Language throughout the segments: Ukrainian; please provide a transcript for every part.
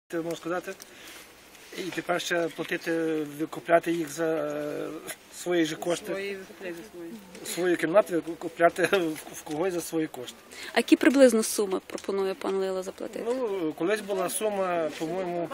Можна сказати, і тепер ще платити, викупляти їх за свої ж кошти, свою кімнату викупляти в когось за свої кошти. А які приблизно суми пропонує пан Лило заплатити? Ну, колись була сума, по-моєму,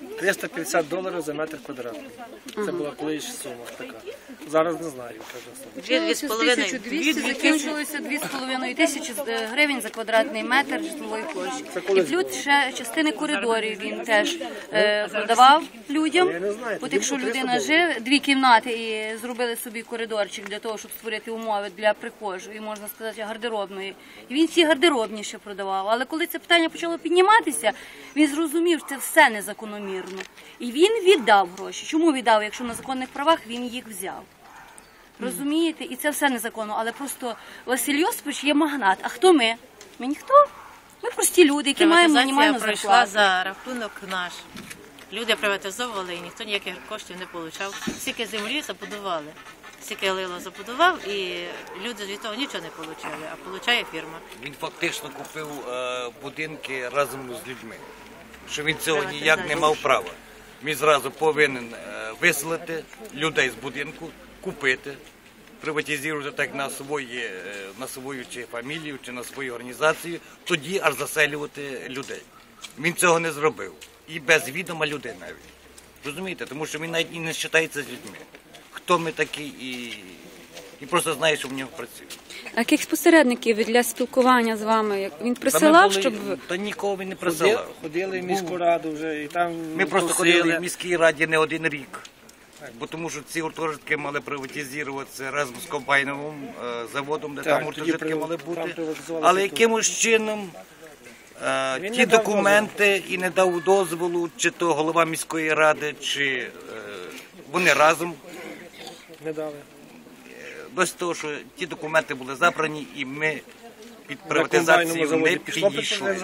$350 за метр квадратний. Це була колись сума така. Зараз не знаю, яка вже сума. 1200, закінчилося 2500 гривень за квадратний метр житлової площі. І плюс ще частини коридорів він теж продавав людям. От якщо людина живе, 2 кімнати і зробили собі коридорчик для того, щоб створити умови для прихожої, можна сказати, гардеробної. І він всі гардеробні ще продавав. Але коли це питання почало підніматися, він зрозумів, що це все незакономірно. І він віддав гроші. Чому віддав? Якщо на законних правах він їх взяв. Розумієте? І це все незаконно. Але просто Василь Йосипович є магнат. А хто ми? Ми ніхто. Ми прості люди, які маємо мінімальну зарплату. Пройшла за рахунок наш. Люди приватизовували і ніхто ніяких коштів не отримав. Стільки землі забудували, стільки Лило забудував, і люди від того нічого не отримали, а отримує фірма. Він фактично купив будинки разом з людьми, що він цього ніяк не мав права. Він зразу повинен виселити людей з будинку, купити, приватизувати так на свою чи фамілію, чи на свою організацію, тоді аж заселювати людей. Він цього не зробив. І без відома людей навіть. Розумієте? Тому що він навіть і не вважається з людьми. Хто ми такі і просто знає, що в нього працює. А яких посередників для спілкування з вами? Він присилав, щоб... Та нікого він не присилав. Ходили в міську раду вже і там... Ми просто ходили в міській раді не один рік. Бо тому що ці гуртожитки мали приватизуватися разом з комбайновим заводом, де там гуртожитки мали бути. Але якимось чином ті документи і не дав дозволу, чи то голова міської ради, чи вони разом. Не дали. Без того, що ті документи були забрані, і ми під приватизацію не підійшли.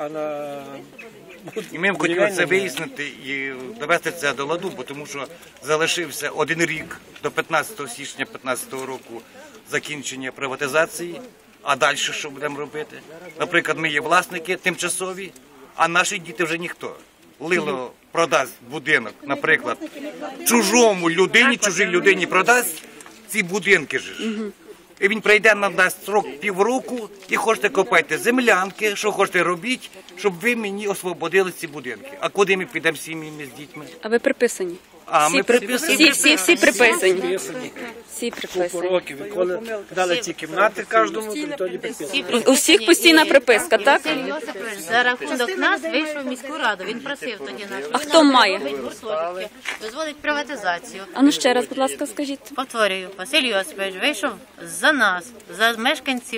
І ми хотіли це вияснити і довести це до ладу, бо тому що залишився 1 рік до 15 січня 2015 року закінчення приватизації, а далі що будемо робити? Наприклад, ми є власники тимчасові, а наші діти вже ніхто. Лило продасть будинок, наприклад, чужому людині, чужій людині продасть ці будинки ж. І він прийде, нам дасть срок півроку, і хочете копайте землянки, що хочете робіть, щоб ви мені освободили ці будинки. А куди ми підемо з сім'ями, з дітьми? А ви приписані? Ми приписані. Всі приписані. Всі Купу приписані. років, коли дали ці кімнати кожному, тоді підписали. У всіх постійна приписка, так? Василь Йосипович за рахунок нас вийшов в міську раду. Він просив тоді нас. А хто має? Дозволить приватизацію. А ну ще раз, будь ласка, скажіть. Повторюю, Василь Йосипович вийшов за нас, за мешканців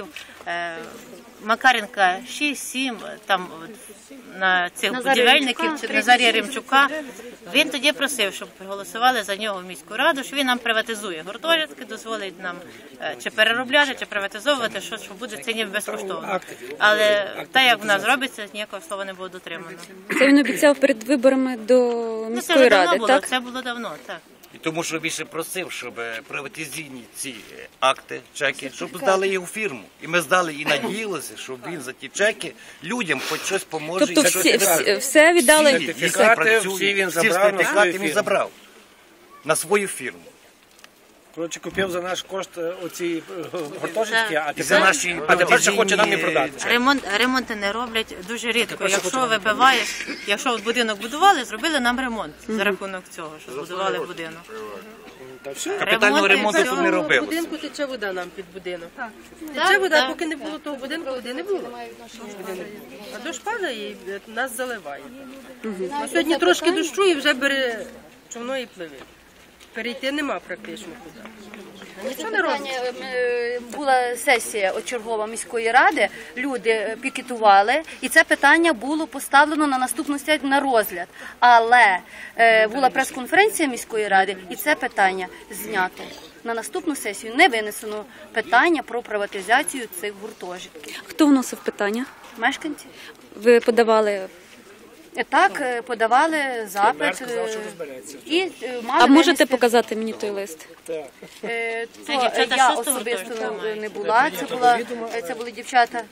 Макаренка 6-7, там на цих будівельників, Назарія Римчука. Він тоді просив, щоб проголосували за нього в міську раду, що він нам приватизує гуртожитки, дозволить нам чи переробляти, чи приватизовувати, що буде це ніби безкоштовно. Але так, як в нас робиться, ніякого слова не було дотримано. Це він обіцяв перед виборами до міської ради, так? Це було давно, так. І тому що більше просив, щоб приватизаційні ці акти, чеки, щоб здали їх у фірму. І ми здали і надіялися, що він за ті чеки людям хоч щось поможе. Тобто все віддали? Всі він сертифікати він забрав на свою фірму. Коротше, купив за наш кошт оці гуртожитки, а наші тепер ще хоче нам не продати. Ремонти не роблять дуже рідко. Якщо вибиваєш, якщо будинок будували, зробили нам ремонт за рахунок цього, що збудували будинок. Капітального ремонту тут не робили. В будинку тече вода нам під будинок. Тече вода, поки не було того будинку, води не було. А дощ падає і нас заливає. Сьогодні трошки дощу і вже бере човно і пливе. Перейти нема практично куди. Нічого не робиться. Була сесія чергова міської ради, люди пікетували, і це питання було поставлено на наступну сесію на розгляд. Але була прес-конференція міської ради, і це питання знято. На наступну сесію не винесено питання про приватизацію цих гуртожитків. Хто вносив питання? Мешканці. Ви подавали... Так, подавали запит. І мали А можете винести... показати мені той лист? Я особисто не була, це були дівчата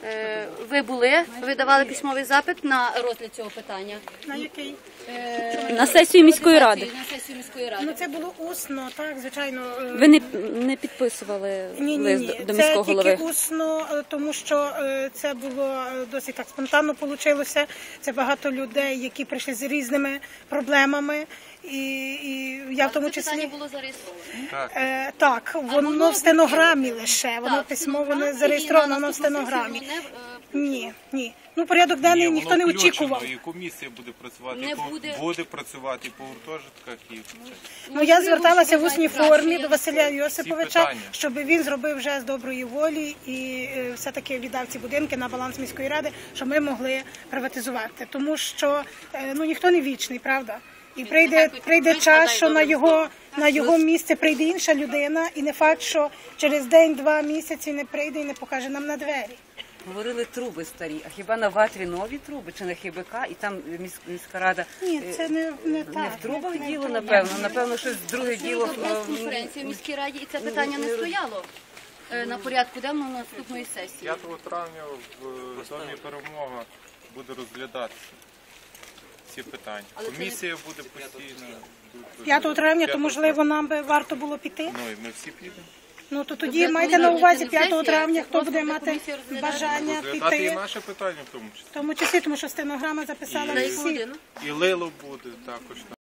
Ви були, ви давали письмовий запит на розгляд цього питання? На який? На сесію міської ради. На сесію міської ради. Ну це було усно, так, звичайно. Ви не підписували лист до міського Це голови? тільки усно, тому що це було досить так спонтанно вийшло. Це багато людей, які прийшли з різними проблемами. І я в тому Це питання числі було зареєстровано. так, воно в стенограмі лише, воно письмово не зареєстровано, воно в стенограмі. Ні. Ну, порядок денний ніхто не очікував. І комісія буде працювати, Не буде. працювати по гуртожитках і Ну, я зверталася в усній формі до Василя Йосиповича, питання. щоб він зробив вже з доброї волі і все-таки віддав ці будинки на баланс міської ради, щоб ми могли приватизувати. Тому що ніхто не вічний, правда? І прийде час, що на його місце прийде інша людина, і не факт, що через день-два місяці не прийде і не покаже нам на двері. Говорили труби старі, а хіба на ватрі нові труби чи на ХБК, і там міська рада Ні, це не так. не в трубах діло, напевно, щось друге діло. Прес-конференція в міській раді, і це питання не стояло на порядку денного наступної сесії. 5 травня в Домі Перемога буде розглядатися ці питання. Комісія буде постійно. 5 травня, то можливо нам би варто було піти. Ну і ми всі підемо. Ну то тоді майте на увазі 5 травня, хто буде мати бажання Розглядати і піти. наше питання в тому числі. В тому числі, тому що стенограма записала На яку всі. годину? І Лило буде також там.